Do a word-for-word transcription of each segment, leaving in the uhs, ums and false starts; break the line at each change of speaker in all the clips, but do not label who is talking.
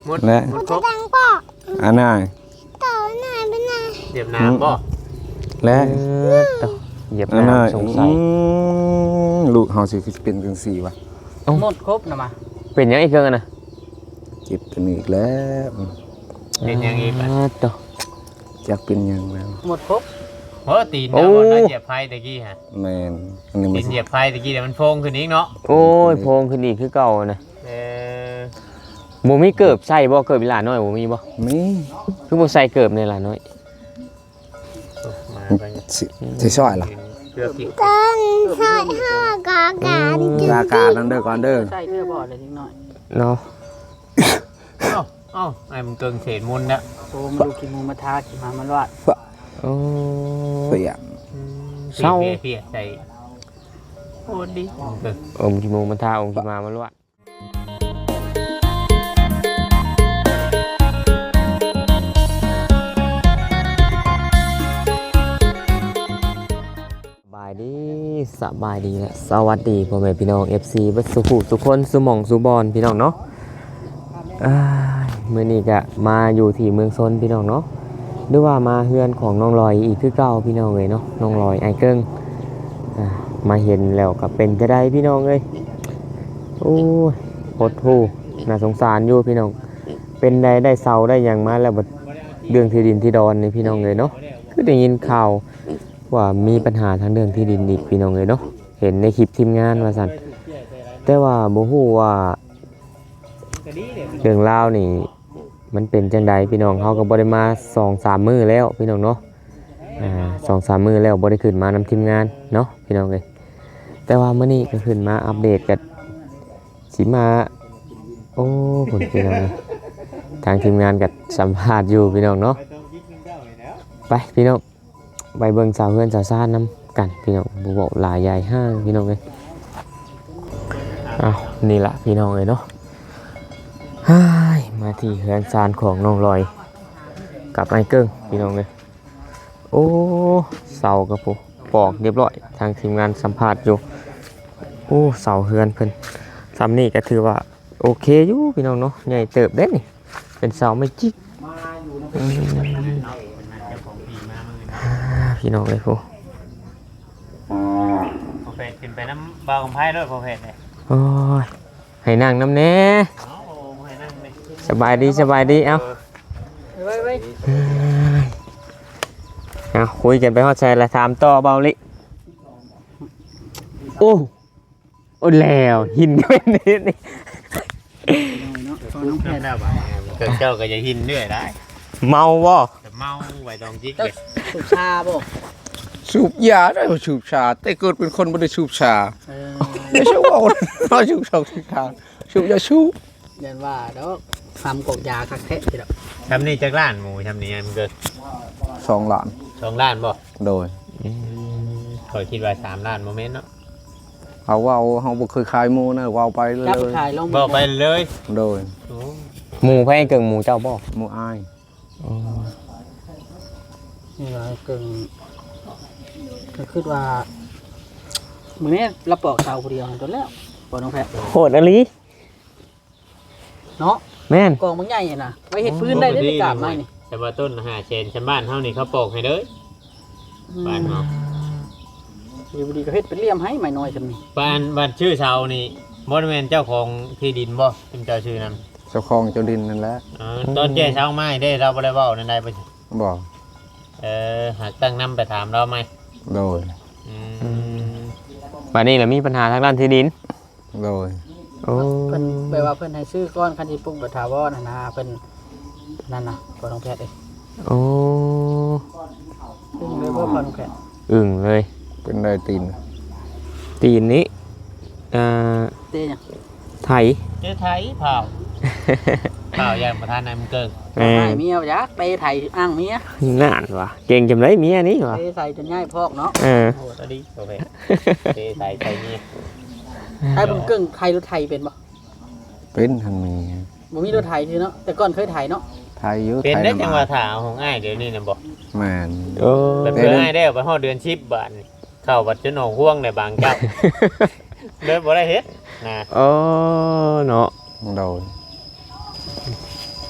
หมด
และ
หมดครบ
อันน่ะ
เหยียบน้ำบ่
และ
เหยียบ
อันน่ะ
น้ำสงสัย
อืมลูกเฮาสิเป็นจังซี่วะ
หมดครบนะมา
เป็นยังอีกเครื่องอะนะ
เจ็บตัวนี้อีกแล้ว
เป็นยังไงบ้าง
อ่าต่อ
จักเป็นหยังแล้ว
หมดครบ
เพราะตีนเนาะบอลได้เหยียบไพ่ตะกี้ฮะ
แม่นอันนี้มั
ตี
น
นเหยียบไพ่ตะกี้เดี๋ยวมันโฟงขึ้นอีกเนาะ
โอ้ยโพงขึ้นอีกคือเก่านะ
เออ
บ่มีเกิบใส่บ่เกิบอีหลาน้อยบ่มีบ่
มี
คือบ่ใส่เกิบในหลาน้อย
มาไป
สิสิช่วยล่ะ
เกือบที่
ต้นซอยห้ากากาดิ
รากานั่นเด้อก่อนเด้อ
ใส่เสื้อบ่อเลยนิดหน่อย
เนาะ
เอ้าเอ้าไอ้มึงเกิงเศษมุนนะ
โอ้มาดูกินหมูมาทากินมามันวาด
โอ้
เปียก
เศร้า
เพี้ยเพี้ยใส่โอ้ดีเกิง
อมกิโมงมันทาอมกิมามันลวดสบายดีสบายดีและสวัสดีพ่อแม่พี่น้อง เอฟ ซี เบัดสุขุทุกคนสุหม่องสุบอนพี่น้องเนาะอ้ายมื้อนี้ก็มาอยู่ที่เมืองซนพี่น้องเนาะหรือว่ามาเฮือนของน้องลอยอีกคือเก่าพี่น้องเลยเนาะน้องลอยไอเกิ้งอ่ามาเห็นแล้วก็เป็นจะได้พี่น้องเลยโอ้ยโคตรทูน่าสงสารอยู่พี่น้องเป็นได้ได้เซาได้หยังมาแล้วบัดเรื่องที่ดินที่ดอนนี่พี่น้องเลยเนาะคือได้ยินข่าวว่ามีปัญหาทางเรื่องที่ดินอีกพี่น้องเลยเนาะเห็นในคลิปทีมงานว่าซั่นแต่ว่าบ่ฮู้ว่าเรื่องราวนี่มันเป็นจังใดพี่น้องเขาก็บ่ได้มา สองสาม มื้อแล้วพี่น้องเนาะอ่า สองสาม มื้อแล้วบ่ได้ขึ้นมานำทีมงานเนาะพี่น้องเอ้ยแต่ว่ามื้อนี้ก็ขึ้นมาอัปเดตกันสิมาโอ้ผลพี่น้องเอ้ยทางทีมงานก็สัมภาษณ์อยู่พี่น้องเนาะไปพี่น้องไปเบิ่งสาวเพื่อนสาวซ่านนํกันพี่น้องบ่บอกหลายใหญ่ห้างพี่น้องเอ้ยอ้าวนี่ล่ะพี่น้องเอ้ยเนาะฮ่ายมาที่เฮือนซานของน้องลอยกับไอ้เกิ้งพี่น้องเลยโอ้เสากับผมปอกเรียบร้อยทางทีมงานสัมภาษณ์อยู่โอ้เสาเฮือนเพิ่นซ้ำนี่ก็ถือว่าโอเคอยู่พี่น้องเนาะใหญ่เติบเด้นี่เป็นเสาไม่จิกอืมพี่น้องเลยผู้
โอเคขึ้นไปน้ำเบาของไพ่ด้วยโอเคเลย
โอ้ยให้นั่งน้ำแน่
เอาโอ้ให้นั่งเลย
สบายดีสบายดีเอ้า
ไว้ไว้
เอาคุยกันไปฮอดใจละถามต่อเบาลิโอ้โอ้แล้วหินเป็นนี่นี่
เนาะตอนน้องแพ
แค่
ทย์
นั้นบ่เกิงเจ้าก็จะหินด้วยได้
เมาบ่
แต่เมาไว้ตองจิก
เจ้า
เลย
สุชาบ่
สูบยาได้บ่สูบชา แต่เกิดเป็นคนบ่ได้สูบชา
เออ
ไม่ใช่ว่าเราสูบชาสูบชาสูบยาสูบ
เรียนว่าดอกทำกอกยาคักแท้ทีเดียว
ทำนี่จากล้านหมูทำนี่มันเกิด
สองล้าน
สองล้านบ่
โดย
คอยคิดว่าสามล้านโมเมนต์เนาะ
เอาว่าเฮาบ่เคยขายหมูนะว่าไปเลย
จับขายลง
บอกไปเลย
โดย
โอ้
หมูไพ่เกิงหมูเจ้าบ่
หมูอาย
นี่ว่าเกิงก็คือว่ามื้อนี้เราปอกเสาผู้เดียวจนแล้วบ่น้องแพทย์
โหดอะลี
เนาะ
แม่น
กองมันใหญ่น่ะไว้เฮ็ดพื้นได้ได้กราบไม้นี่
แต่ว่าต้นหาเชนชาวบ้านเฮานี่เขาปลูกให้เด้อบ้านเฮา
อยู่ดีก็เฮ็ดเป็นเหลี่ยมให้ไม้น้อยจำนี้
บ้านบ้านชื่อชาวนี่บ่ได้แม่นเจ้าของที่ดินบ่เป็นเจ้าชื่อนั้น
เจ้าของเจ้าดินนั่นแหละ
อ๋อตอนแก่เช้าไม้ได้เราบ่ได้เว้านั่นได้บ่
บ่
เออหากตั้งนำไปถามเราไหม
โดย
อืม
บัดนี้ล่ะมีปัญหาทางด้านที่ดิน
โดย
โอ้
เพิ่นแปลว่าเพิ่นให้ซื้อก้อนคันที่ปลูกแบบถาวรน่ะนะเพิ่นนั่นน่ะบ่น้องแพทย์เอ้ย
โอ้
ซึ่งเลยบ่พอน้องแพทย์
อึ่งเลย
เป็นได้ตีน
ตีนนี้อ่า
เต้หยัง
ไถ
เจ้าไทยเผาเผาอย่างประธานนายมันเกิง
แม่
ให้เมียบ่จักเตะไถอ้างเมีย
น่านว่ะเก่งจำไรเมียนี่ว่ะ
เตะใส่จนง่ายพอกเนาะ
เออ
โอ้ตอนนี้โอเคเทใส่ใส่นี่
ไอ้เบิ่งเกิ้งไทยรถไทยเป็นบ่
เป็นทันมี
บ่มีรถไทยคือเนาะแต่ก่อนเคยไถเนาะ
ไทยอยู่
เป็น
ไทย
ได้จังหวะ
น้ำ
ถาของอ้ายเดี๋ยวนี้นะบอก
แม่น
โอ้
เป็นเพื่ออ้ายได้ไปห่อเดือนชิปบาทนี่เข้าวัดจนหนองห่วงในบางเจ้าเลยบ่ได้เฮ็ดนะ
โอ้เนาะ
โดย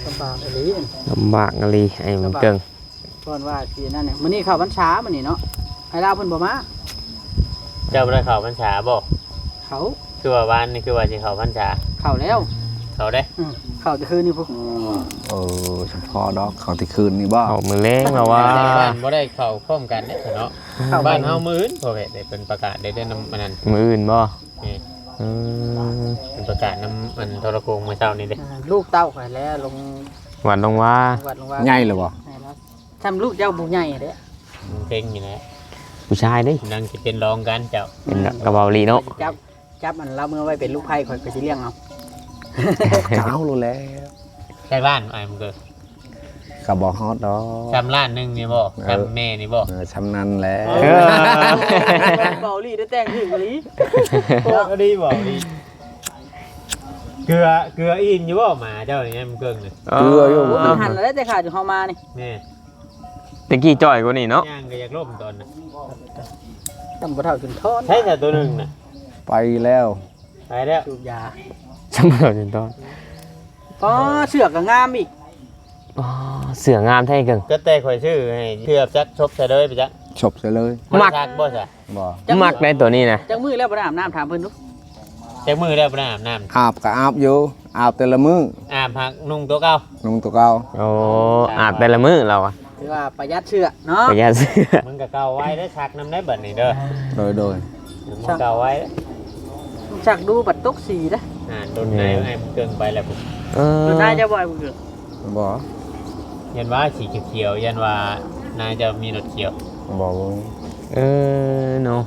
ลำบากอะไร
ลำบากอะไรไอ้มันเกิง
ก่อนว่าทีนั่นเนี่ยมื้อนี้เข้าพรรษามื้อนี้เนาะให้ลาวเพิ่นบ่มา
เจ้าบ่ได้เข้าพรรษาบ่
เขา
คือว่าวันนี้คือว่าสิเข้าพรรษา
เข้าแล้ว
เข้าได้
อืมเข้าแต่คืนนี้พวก
เออเฉพาะดอกเขาที่คืนนี่บ่
เอามือเล้งเราว่า
บ้านบ่ได้เข้าพร้อมกันเด้อเนาะ
เข้า
บ้านเฮามื้ออื่นพ่อแม่ได้เป็นประกาศได้เดือนนำมันนั้น
มืออื่นบ่
นี่
อืม
เป็นประกาศนำมันโทรโขงเมื่อเช้านี้เด้
อ่าลูกเต้าข่อยแล้วลง
หวานลงว่า
วัดลงว่า
ใหญ่เลยบ่
ให้แล้วทำลูกเจ้าบุญใหญ่เด้อ
มันเก่งอยู่แล้ว
ผู้ชายเด้
นั่งสิเป็นรองกันเจ้า
เป็นกระเบาลีเนาะ
จับจับมันเราเมื่อไว้เป็นลูกไผ่ข่อยก็สิเลี้ยงเอา
เจ้ารู้แล้ว
ใช่บ้านอ้ายมันก็
ก็บ่ฮอดดอก
ชำล้านหนึงนี่บ่ชำแม่นี่บ่
เออชำนาญแล้ว
เออ
เบาลี่ได้แต่งถึงกะลี
ก็ดีบ่ดีเกลือเกลืออินอยู่บ่หมาเจ้านี่มันเกิงนี่
เกลืออยู่
โอ้มันหันแล้วแต่ขาดอยู่เฮามานี่
แม่
ตะกี้จ่อยกว่านี่เนาะ
ย่างก็อยากล่มตอนน่ะ
ตำบ่เท่าจนทอน
ใช่แต่ตัวหนึงน่ะ
ไปแล้ว
ไปแล้ว
สูบยา
สมบูรณ์ตอน
อ๋อเสือกก็งามอีก
อ๋อเสืองามแท้เกิง
ก็แต่ข่อยชื่อให้เทือบจักชบใส่เลยไปจัก
ฉบซะเลย
มัก
ซักบ่ซะ
บ่
มักในตัวนี้นะ
จังมือแล้วบ่ได้อาบน้ำถามเพิ่นดู
จักมือแล้วบ่ได้อาบน้ำ
อาบก็อาบอยู่อาบแต่ละมื้อ
อาบพักนุ่งตัวเก่า
นุ่งตัวเก่า
โอ้อาบแต่ละมื้อเราอะ
ถือว่าประหยัดเชือกเนาะ
ประหยัดเสื้อ
มึงก็เก่าไว้ได้อชักน้ำได้เบิดนี่เด้อ
โดยโดย
มึงเก่าไว้เด้อ
จักดูบัดตกสีเด้อ
อ่าโดนไหนให้มันเกินไปแล้วผม
เออ
ดูนายจะบ่อยบ่เกิด
บ่
ยันว่าสีเขียวๆยันว่านายจะมีรถเขียว
บ่
เออเนาะ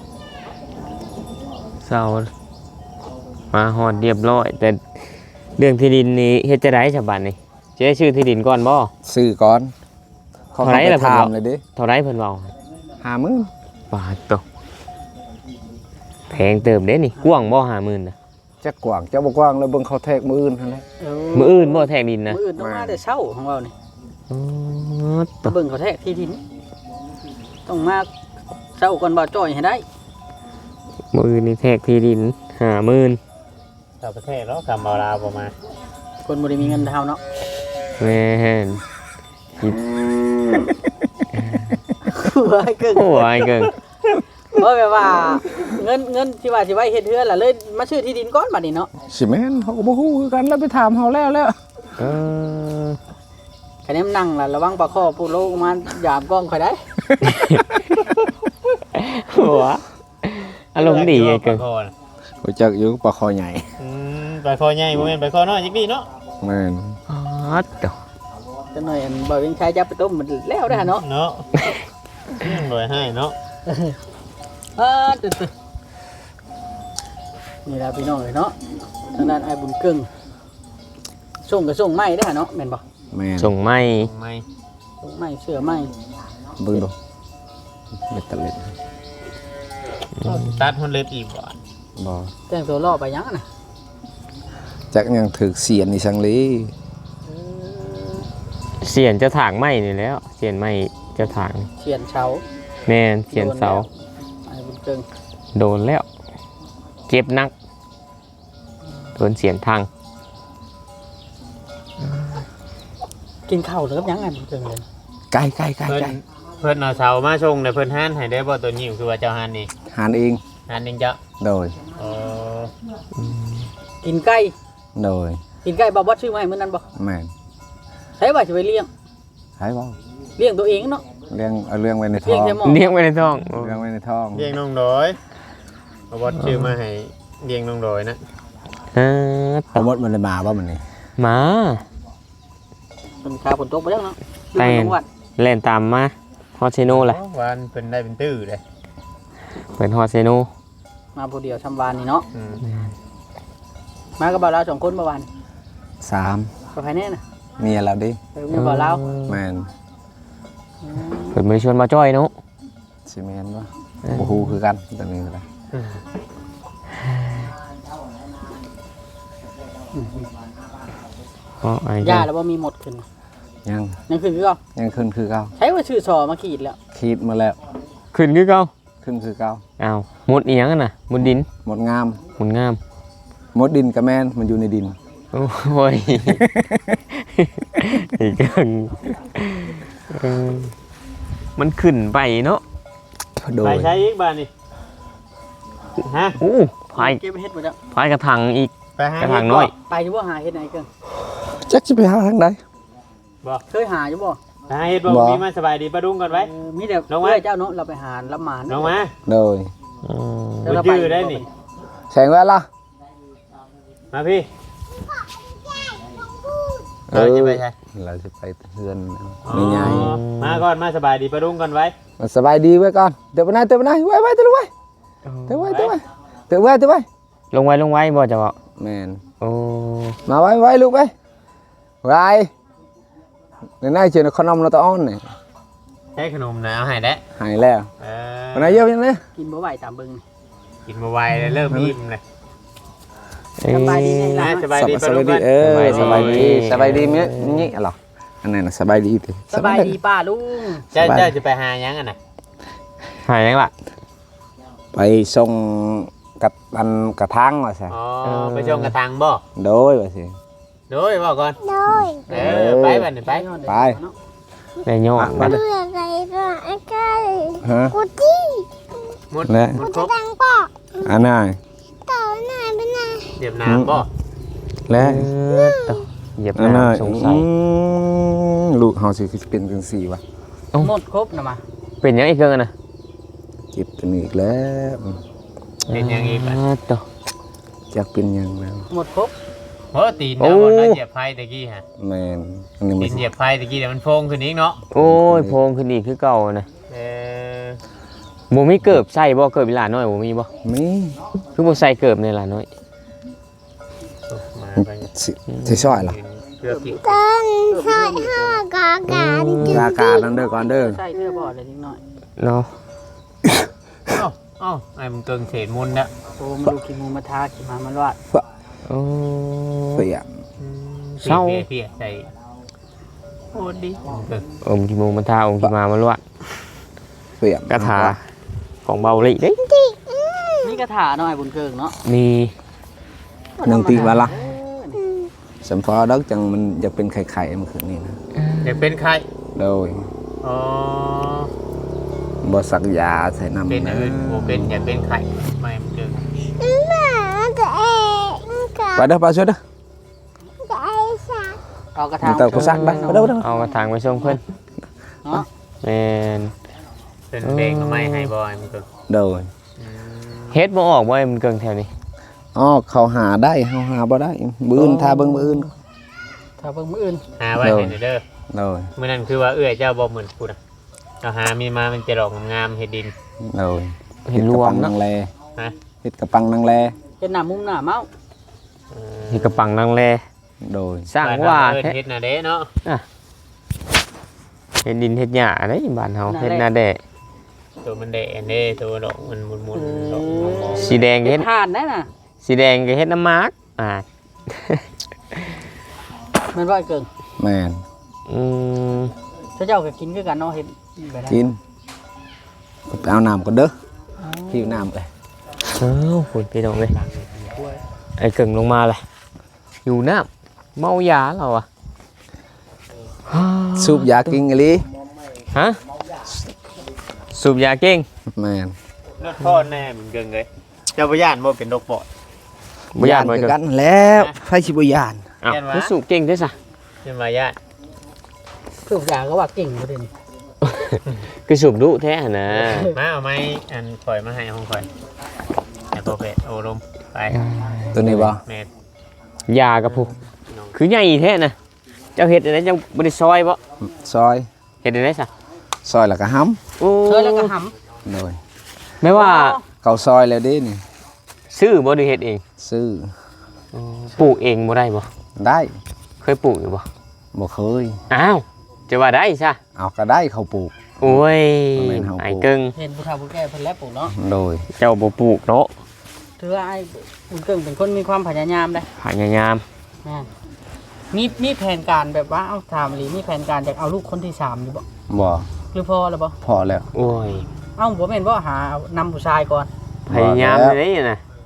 เศร้ามาหอดเรียบร้อย แต่เรื่องที่ดินนี่เฮ็ดจะได้ฉบับนี่จะได้ชื่อที่ดินก่อนบ่
ซื้อก่อนเขา
เท่าไหร่
ไป
ล่ะ
ถาม
เพิ่นบอก
เลยดิ
เท่าไรเพิ่นเว้า
ห้าหมื่น
บาทโตแพงเติมเด้นี่กว้างบ่ห้าหมื่นน่ะ
จักกว้างจักบ่กว้างแล้วเบิ่งเขาแทกมื้ออื่นหั่นแหละ
เอ
มื้ออื่นบ่แทงดินนะ
มื้ออื่นต้องมาแต่เช้าของเรานี่
อ๋อโต
เบิ่งเขาแท้ที่ดินต้องมาเช้าก่อนบ่าวจ้อยให้ได้
มื้ออื่นนี่แทกที่ดินห้าหมื่น
ต่างประเทศแล้วกำเอาลาวประมาณ
คนบ่ได้มีเงินเท่าเนาะ
แม่น
ว่าให้เกิน
โอ้ยเกิง
เพราะแบบว่าเงินเงินที่ว่าสิไว้เฮ็ดเฮือนล่ะเลยมาซื้อที่ดินก่อนบัดนี้เนาะ
สิแม่นเขาก็บ่ฮู้คือกันแล้วไปถามเฮาแล้วแล้ว
เออ
คะแนนนั่งล่ะระวังปลาคอปูโลมายามกล้องข่อยได้
หัวอารมณ์ดีไอ้เกิง
ปลาคอน่ะ
รู้จักอยู่ปลาคอใหญ่
อืมปลาคอใหญ่บ่แม่นปลาคอน้อยจักดีเนาะ
แม่น
อ๋อโต
จังหน่อยอันบ่ยังใช้จับไปต้มมันแล้วได้อเนาะ
เนาะยังรวยให้เนาะ
เออตึ๊ดๆนี่ล่ะพี่น้องเอ้ยเนาะทางด้านไอ้บุญเกึ่งส่งก็ส่งไม้ได้อเนาะแม่นบ่
แม่น
ส่งไม่
ไม่
ส่งไม้เสื้อไม้
เบิ่งดูเบ็ดตะเล็ด
ตัดหุ่นเล็บอีกบ่
บ่
แต่งตัวล่อไปยังอะน่ะ
จักยังถึกเสียนอีสังลี
เสียนเจะถางไม่นี่แล้ว เสียนไม่เจะถาง
เขียนเช้า
แม่นเสียนเสา
ไอ้บุญเกิง
โดนแล้ว เจ็บนักโดนเสียนทาง
กินข้าวหรือกับยังไงบุญเกิงเลย
ไก่ไก่ไก่
เพิ่น
ไก่
เพิ่นเอาเสามาชงแต่เพิ่นหานให้ได้บ่ตัวนี้คือว่าเจ้าหานนี่
หานเอง
หานเองเจ้า
โดย
เออ
กินไก่
โดย
กินไก่บ่บ่ซื้อมาให้มื้อนั้นบ่
แม่น
ใช้ว่าสิไปเลี้ยง
ให้บ่
เลี้ยงตัวเองเนาะ
เลี้ยงเอาเรื่องไว้ในท้
เลี้
อย ง
งแต่หมอ
เลี้ยงไว้ในท้อง
เลี้ยงไว้ในท้อง
เลี้ยงน้องดอยเอาบอสชื่อมาให้เลี้ยงน้องดอยนะ
เออ
เอาหมดมันเลยมาบ่มันนี่
หมา
เป็นขาฝนตกไปแล้วเนาะ
ไป
อยู่จังหวัด
เล่นตามมาฮอตเซโนแหละ
วันเพิ่นได้เป็นตื้อเลย
เป็นฮอตเซโน
มาผู้เดียวชำวานนี่เนาะ
อืม
มากับบ่าวลาวสองคนเมื่อวาน
สาม
ไปภายแน่น่ะ
เมียแล้วดิ
ไปเมื่อบ่าวลาว
แม่น
เปิดมือชวนมาจ้อยเนาะ
สิแม่นบ่บ่ฮู้คือกันตอนนี้ก็ได้
เพราะไอ้
ยาแล้วบ่มีหมดขึ้น
ยัง
ยังขึ้นคือเก่า
ยังขึ้นคือเก่า
ใช้ว่าชื่อซอมาขีดแล้ว
คิดมาแล้ว
ขึ้นคือเก่า
ขึ้นคือเก่า
อ้าวมุดอีหยังกันน่ะมุดดิน
หมดงาม
มุดงาม
หมดดินกับแม่นมันอยู่ในดิน
โอ้ยอีกอย่างเออมันขึ้นไปเนาะ
โด
ไป
ย
ใช้อีกบ้านนี่ฮะ
โอ้พาย
เก็บเฮ็ดบ่จ้ะ
พายกระถางอีก
ไปหาก
ระถางน้อย
ไปอยู่บ่หาเฮ็ดไหนเกิน
จักจะไปหาทางใด
บ่
เคยหาอยู่บ่
ไปหาเฮ็ดบ่
บ่
มีมาสบายดีปะดุงก่อนไว้
เออมีแต่
ลงมา
เพื่อเจ้าเนาะเราไปหารับหมาน
ลงมา
โดย
อืม
แล้วเรา
บ่จื้อได้นี่
แสงแว่นล่ะ
มาพี่
เออ
เราจะไปใช่
เราจะไปเฮือน
อ๋อ
ไม่ใหญ่
มาก่อนมาสบายดีปะดุงก่อนไว้
มาสบายดีไว้ก่อนเดี๋ยวไปไหนเดี๋ยวไปไหนไว้ไว้เดี๋ยวไว้เดี๋ยวไว้เดี๋ยวไว้เดี๋ยวไว้เดี๋ยวไว้
ลงไว้ลงไว้บ่จะบอก
แมน
โอ้
มาไว้ไว้ลูกไว้ไว้ในหน้าเชื่อขนมเราตะอ้อนนี่
ใช้ขนมนะเอาให้ได้
หายแล้ว
เอ
วันไหนเยอะยังเลย
กินบ่ไหวตามเบิ่งนี่
กินมาไวเลยเริ่มอิ่มเลย
สบายดีไง
นะ
ล่ะ
สบายดี
ส
ปะดุ
บาย
ง
ดี
ก่อน
เออสบายดีสบายดีมั้ยนี่อะไรอันนั้นน่ะสบายดีติ
สบายดีป้าลุง
เจ้าเจ้าจะไปหายังอ่ะน่ะ
หายยังล่ะ
ไปส่งกับอันกระทั่งว่าซะ
อ๋อไปชมกระตังบ่
โดยว่าสิ
โดยบ่ก่อน
โดย
เออไปบัดนี้ไป
ไป
แม่ยอด
มา
เมื่อไรก็ไอ้ก้า
ฮะ
กูจี้
หมด
และ
หม
กู
ดคร
จะ
บ
ดังปอก
อันนั้น
ต่อหน้าไปหน้า
เจ็บน้ำบ่
และ
เออต่อเหยียบ
อันนั้น
น้ำสงสัย
อืมลูกเฮาสิคือเป็นจังซี่วะ
หมดครบนะมา
เป็นยังอีกเกินนะ
เจ็บกันอีกแล้ว
เป็นยังอีก
เอ
บัด
อต่อ
จักเป็นหยังแล้ว
หมดครบ
โอ้ตีนเนาะบนนั้นเหยียบไฟตะกี้ฮะ
แม่นอันนี้
ตี
มัน
นเหยียบไฟตะกี้เดี๋ยวมันโพงขึ้นอีกเนาะ
โอ้ยโพงขึ้นอีกคือเก่านะ
เออ
บ่มีเกิบใส่บ่เกิบอีหลานน้อยบ่มีบ่
มี
คือบ่ใส่เกิบในหลานน้อย
มาไป
สิสิซอยล่ะ
เพื่อกิน
ต้นซอยห้ากาการจุ
ยากาศนั่นเด้อก่อนเด้อ
ใส่เสื้อบ่อเลยนิดหน่อย
เนาะ
เอ้าเอ้าไอ้มันเกิงเศษมุนนะ
โอ้มาดูขี้มูมาทาขี้มามันวาด
โอ้
เปียก
เศร้า
เปียกเปียกใส่โอ้ดีเกิง
อมกิโมมันทาอมกิมามาลวด
เปียก
กระถาของเบาหลีเด้
นี่กระถาหน่อยบุญเกิงเนาะ
มี
หนึ่งตีว่าล่ะ
เออนี่
สัมพอดอกจังมันจะเป็นไข่ๆมันคือนี่นะ
เดี๋ยวเป็นใคร
โดย
อ๋อ
บ่สักยาใส่น้ำ
เป็น
นะ
อื่นโอเป็นอย่าเป็นไข่ไม่มันเกิง
หมาตัวเองกับ
ไปเด้อไปช่วยเด้อ
ไอ้สัตว์
เอากระ
มั
ถาน ง
เตากูซักไปไปเด้อไปเด้อ
เอากระถางไปส่งเพิ่น
เนาะ
แม่น
เป็นเพลงก็ไม่ให้บอยมันเกิง
โดย
อืม
เฮ็ดบ่ออกบ่ไอ้มันเกิงแถวนี้
อ๋อเขาหาได้เฮาหาบ่ได้มื้ออื่นทาเบิ่งมื้ออื่น
ถ้าเบิ่งมื้ออื่น
หาไว้ให้เด้อ
โดย
เมื่อนั้นคือว่าเอื้อยเจ้าบ่เหมือนกูนะเราหามีมามันจะดอกงามๆเฮ็ดดิน
โดย
เห็นรวม
เฮ็ดกระปัง
เนาะ
นางแล
ฮะ
เฮ็ดกระปังนางแล
เป็นหน้ามุมหน้าเมา
เออ
เฮ็ดกระปังนางแล
โดย
สร้างว่า
เอิ้น
แท้
เฮ็ดน่ะเด้เนาะ
เฮ็ดดินเฮ็ดหญ้าเด้บ้านเฮาเฮ็ดนาแดะ
ตัวมันแดงเด้ตัวดอกมันมุนๆดอกมอง
สีแดงก็
เฮ็
เฮ็
ด
ด
ทานได้น่ะ
สีแดงก็เฮ็ดน้ำมาร์กอ่า
แม่นว่าไอ้เกิง
แม่น
อืม
ถ้าเจ้าก็กินคือกันเนาะเฮ็ดแบบนั้น
กินไปเอาน้ำก่อนเด้อหิวน้ำเลย
เอ้าคุณพี่น้องเอ้ยไอ้เกิงลงมาเลยอยู่น้ำเมายาเราอ่ะ
สูบยากินอีหลี
ฮะสูบยาเก่ง
แม่น
รถพ่อแน่มันเกิงเลยเจ้าบ่ย่านบ่เป็นดอกปอด
บ่ยานบ่
คื
เกิ
อง กันแล้วไฟสิบ่ยาน
อ้าว
ย่านวะ
มันสูบเก่งด้วยซะ
จะมาย่าน
คืออยางก็ว่าเก่งบ่ได้นี่
คือสูบดุแท้นะ
มาเอาไม้อันข่อยมาให้ห้องข่อยไอ้โปรเฟสโอลมไป
ตัวนี้บ่
แม่
ยากระพุกคือใหญ่แท้นะเจ้าเฮ็ดอะไรเจ้าบ่ได้ซอยบ่
ซอย
เฮ็ดอะไรซะ
ซอยแล้วก็ห้
โอ้
เคยแล้วก็หำ
ำโดย
ไม่ว่า
เขาซอยแล้วเด้นี่
ซื้อบ่ได้เฮ็ดเอง
ซื้อ
ปลูกเองบ่ได้บ่
ได้
เคยปลูกอยู่บ่
บ่เคย
อ้าวจะว่าได้ซะ
เอาก็ได้เขาปลูก
โอ้ย
บ่แม่นเฮาปลูก
ไอ้เกิง
เห็นผู้เฒ่าผู้แก่เพิ่นแล้วปลูกเนาะ
โดย
เจ้าบ่ปลูกเนาะ
ถือว่าไอ้บุญเกิงเป็นคนมีความพยายามได้
พยายาม
แม่นมีมีแผนการแบบว่าเอาถามอีหลีมีแผนการอยากเอาลูกคนที่สามอยู่บ่
บ่
หรือพอแล้วบ่
พอแล้ว
โอ้ย
เอ้าบ่แม่นบ่หานำผู้ชายก่อน
พยายาม
แล้ว
เลยนะ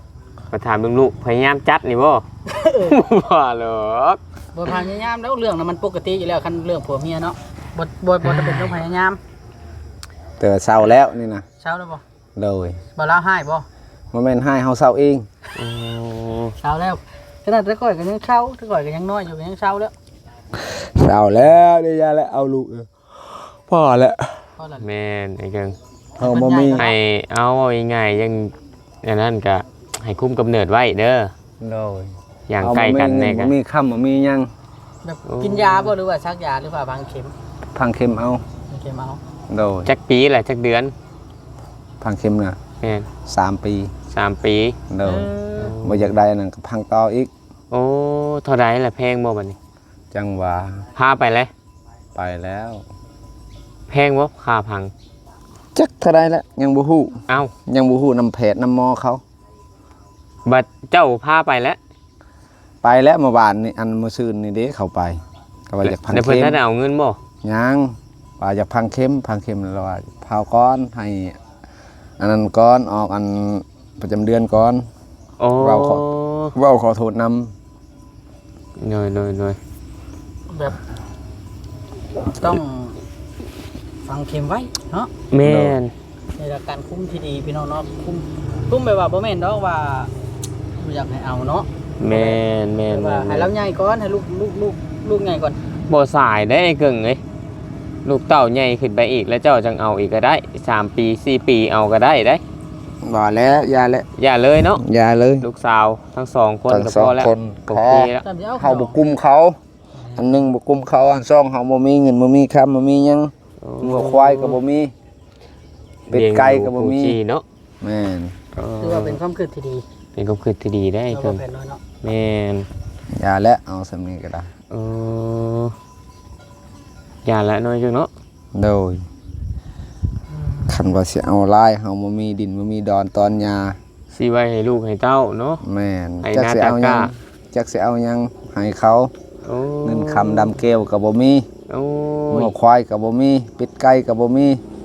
มาถามเบิ่งลูกพยายามจัดนี่บ่ บ่หรอก
บ่พยายามแล้วเรื่องนั้นมันปกติอยู่แล้วคันเรื่องผัวเมียเนาะบ่บ่บ่จะเป็นต้องพยายาม
เตือเศร้าแล้วนี่นะ
เช้าแล้วบ่
โดย
บ่ลาให้บ่
บ่แม่นให้เฮาเศร้าเอง
โอ้
เช้าแล้วขนาดแต่ก่อยก็ยังเช้าแต่ก่อยก็ยังน้อยอยู่ก็ยังเช้าแล้ว
เศร้าแล้วเดี๋ยวยาแล้วเอาลูกเออพ่อแล้ว
พอละ
แม่นไอ้เกิง
เฮาบ่มี
ให้เอาเอาง่ายๆยังอย่างนั้นก็ให้คุมกำเนิดไว้เด้อ
โดย
อย่างใกล้กันแน่
บ่
กัน
มีค่ำบ่มีหยัง
แบบกินยาบ่หรือว่าซักยาหรือว่าบางเข็ม
พังเข็มเอา
บางเข็มเอา
โดย
จักปีแหละจักเดือน
พังเข็มน่ะ
แม่น
สามปี
สามปี
โด
เอย อ
บ่อยากได้นั่นก็พังต่ออีก
โอ้เท่าใดล่ะแพงบ่บัดนี้
จังหวะ
พาไปเลย
ไปแล้ว
แพงบ่ค่าพัง
จักเท่าใดแล้วยังบ่ฮู้
เอ้า
ยังบ่ฮู้นำแพทย์นำหมอเขา
บัดเจ้าพาไปแล้ว
ไปแล้วเมื่อวานนี่อันเมื่อซื่นนี่เด้เข้าไปก็ว่าอยากพัง
แล้วเพิ่น
เข็ม
ถ้าได้เอาเงินบ่
ยังว่าอยากพังเข็มพังเข็มแล้วว่าเผาก้อนให้อันนั้นก้อนออกอันประจำเดือนก่อน
โอ้
เราขอ เว้าขอโทษนำ
หน่อยๆ
แบบต้องฟังเข็มไว้เนาะ
ๆแม่น
ในการคุมที่ดีพี่น้องเนาะคุมคุมไปว่าบ่แม่นดอกว่าบ่อยากให้เอาเนาะ
แม่นแม่น
ว่าให้เราใหญ่ก่อนให้ลูกลูกลูกลูกใหญ่ก่อน
บ่สายได้ไอ้เกิงเอ้ยลูกเต้าใหญ่ขึ้นไปอีกแล้วเจ้าจังเอาอีกก็ได้สามปีสี่ปีเอาก็ได้ได้
บ่แล้วยาแล้ว
อย่าเลยเนาะ
ยาเลย
ลูกสาวทั้งสองคน
ทั้ง
ก็
ส
พ
อง
อแล้ว
คน
โอ
พอ
เคแล้ว
ตามที่เอา
เฮาบ่กุมเขา อันหนึงบ่กุมเขาอันสองเฮาบ่มีเงินบ่มีคำบ่มีหยังงัวควายก็บ่มีเป็ดไก่ก็บ่มี
เลี้ยงดูผู้ชีเนาะ
แม่น
ถือว่าเป็นความคิดที่ดี
เป็นความคิดที่ดีได้ไอ้
เรา
เกิ
บ่
ง
แพ้น้อยเนาะ
แม่น
ยาแล้วเอาสำนี้ก็ได้
เอออย่าละน้อยจังเนาะ
โดยคันว่าสิเอาลายเฮาบ่มีดินบ่มีดอนตอนยา
สิไว้ให้ลูกให้เต้าเนาะ
แม่น
ไอ้
จักสิเอาหยัง
หน้าตากล้า
จักสิเอาหยังให้เขา
โอ้
เงินคำดำแก้วก็บ่มี
โอ้
งัวย ควายก็บ่มีเป็ดไก่ก็บ่มี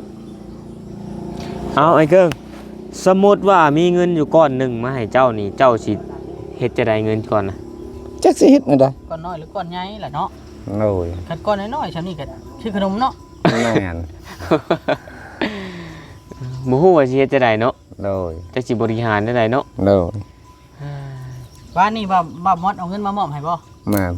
เอาไอ้เกิงสมมุติว่ามีเงินอยู่ก้อนหนึงมาให้เจ้านี่เจ้าสิเฮ็ดจะได้เงินก่อนนะ
จักสิเฮ็ดแนวใด
ก้อนน้อยหรือก้อนใหญ่ล่ะเนาะ
โอ้ย
คันก้อนน้อยๆฉันนี่ก็ชื่อขนมเนาะ
แม่น
บ่ฮู้ว่าสิเฮ็ดจะได้เนาะ
โดย
จักสิบริหารได้ไดเนาะ
โดย
ว่านี่ว่าว่ามอดเอาเงินมามอบให้บ่
แม่น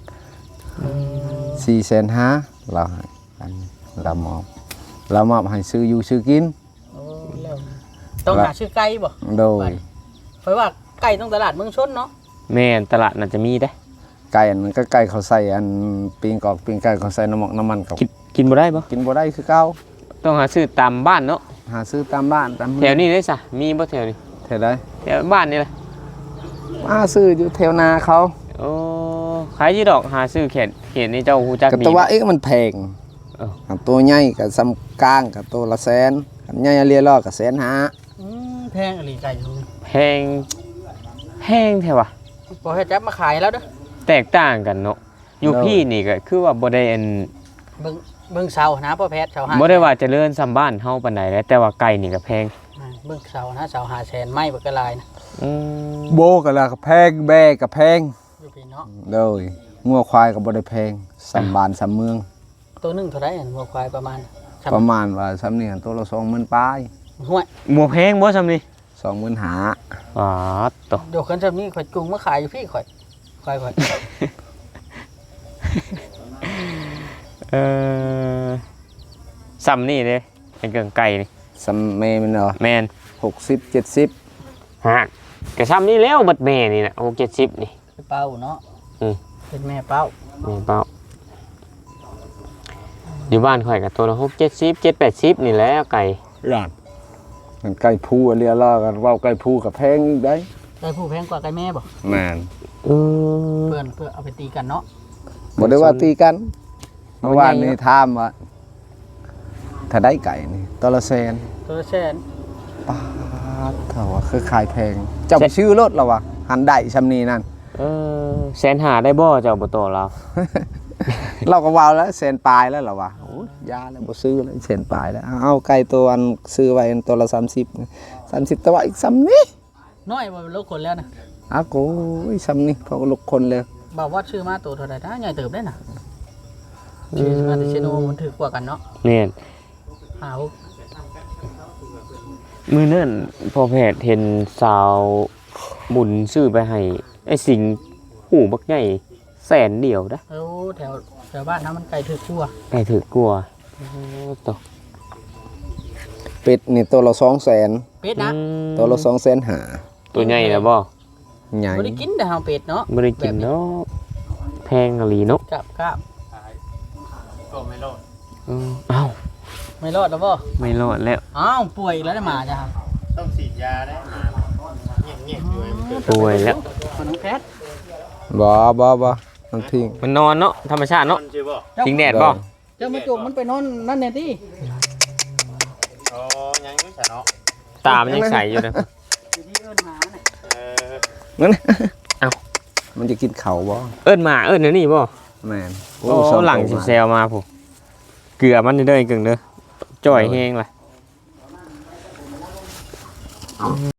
สี่แสนห้าเราให้อันเรามอบเรามอบให้ซื้ออยู่ซื้อกิน
โอ้แล้วต้องหาชื่อไก่บ่
โดย
เพราะว่าไก่ต้องตลาดเมืองชนเนาะ
แม่นตลาดน่าจะมีเด้
ไก่อันนั้นก็ไก่เขาใส่อันปิ้งกอกปิ้งไก่เขาใส่น้ำหมอกน้ำมันเขา
กินกินบ่ได้บ่
กินบ่ได้คือเก่า
ต้องหาซื้อตามบ้านเนาะ
หาซื้อตามบ้านตาม
แถวนี้ได้ซะมีบ่แถวนี้
แถวใด
แถวบ้านนี่แหละ
มาซื้ออยู่แถวนาเขา
โอ้ขายอยู่ดอกหาซื้อเขตเขตนี้เจ้าฮู้จัก
กับ
ดี
ตัวว่าเอ๊ะมันแพง
เอ้า
อันตัวใหญ่กับซ้ำกลางกับตัวละแสนอันใหญ่เรียรอกับแสนห้า
อืมแพงอหลีไก่อยู่
แพงแพงแท้ว่ะ
บ่ให้จับมาขายแล้วเด้อ
แตกต่างกันเนาะอยู่พี่นี่ก็คือว่าบ่ได้อัน
เบิ่งเบิ่งเสานะพ่อแพทย์เสาหา
บ่ได้ว่าเจริญซ้ำบ้านเฮาปานใดแล้วแต่ว่าไก่นี่ก็แพง
อ่าเบิ่งเสานะเสาหาแสนไม้บักกะลายนะ
อืม
โบกับละแพงแบกับแพง
อยู่พี่เนาะ
เลยงัวควายกับบ่ได้แพงสัมบานสัมเมือง
ตัวหนึงเท่าไหร่อันวัวควายประมาณสาม
ประมาณว่าสัมนี่ตัวละสองหมื่นปลาย
ห้วย
บ่แพงบ่ซ้ำนี่
สองหมื่นหา
อ๋อตอ
เดี๋ยวคันซำนี้ข่อยจุงมาขายอยู่พี่ข่อยควายข่อย
เออซ้ำนี่เด้เป็นเกิงไก่นี่
สัมเมมันเนาะ
แม่น
หกสิบเจ็ดสิบ
ฮะก็ซ้ำนี่แล้วบัดแม่นี่น่ะหก เจ็ดสิบนี่
เป็นเป้าเนาะ
อืม
เป็นแม่เป้า
แม่เป้าอยู่บ้านข่อยก็ตัวละหก เจ็ดสิบ เจ็ด แปดสิบนี่แหละไก่
ร้านมันไก่ผู้เรียล่อกันเว่าไก่ผู้กับแพงอีกได้
ไก่ผู้แพงกว่าไก่แม่บ่
แม่น
เออ
เพื่อนเพื่อเอาไปตีกันเนาะ
บ่ได้ว่าตีกัน
เอา
เมื่อวาน
ใหญ่
นี้
เนอะ
ถามว่าถ้าได้ไก่นี่ตัวละแสน
ตัวละแสน
ป้าดเท่าว่าคือขายแพงเจ้าไปชื่อรถแล้ววะหันได้ชำนีนั่น
เออแสนหาได้บ่เจ้าบ่โตเรา
เราก็วาวแล้วแสนปลายแล้วเหรอวะโอ้ยยาแล้วบ่ซื้อแล้วแสนปลายแล้วเอาไก่ตัวอันซื้อไว้อันตัวละสามสิบสามสิบแต่ว่าอีกซ้ำนี้
น้อยบ่ลูกคนแล้วนะ
อาโกยซ้ำนี่เขาก็ลุกคนเลย
บอกว่าชื่อมาตัวเท่าไหร่นะใหญ่เติบได้น่ะชื่อมาแต่เชโนมันถือกว่ากันเนาะ
แม่น
หา
มื้อนั้นพอแพทย์เห็นสาวบุญซื้อไปให้ไอ้สิงหูบักใหญ่แสนเดียวนะ
เออแถวแถวบ้านน้ำมันไก่ถือกลัว
ไก่ถือกลัวโอ้ตก
เป็ดนี่ตัวละสองแสน
เป็ดนะ
ตัวละสองแสนหา
ตัวใหญ่นะบ่
ใหญ่
บ่ได้กินแต่เฮาเป็ดเนาะ
ไม่ได้กินเนาะแพงอะลีเนาะ
กับกับ
ก็ไม่รอด
เออเอ้า
ไม่รอดแล้วบ่
ไม่รอดแล้ว
อ้าวป่วยอีกแล้วได้มาจ้ะครับ
ต้องฉีดยาได้มาเงียบๆอยู่ให้มันเกิด
ป่วยแล้ว
ขนมแพทย์
บ่บ่บ่มันทิ้ง
มันนอนเนาะธรรมชาติเนาะ
มันชื่อบ่
ทิ้งแดดบ่
เจ้ามาจุกมันไปนอนนั่นแน่ติ
โอ้ยังอยู่ซะเนาะ
ตามันยังใสอยู่นะ
อยู่ที่เอิ้นหมาน่ะ
เออ
นั่น
เอ้า
มันจะกินเขาบ่
เอิ้นมาเอิ้นเดี๋ยวนี้บ่
แม่น
โอ้หลังสิแซวมาผู้เกลือมันเด้อๆกึ่งเด้อจ่อยแห้งล่ะ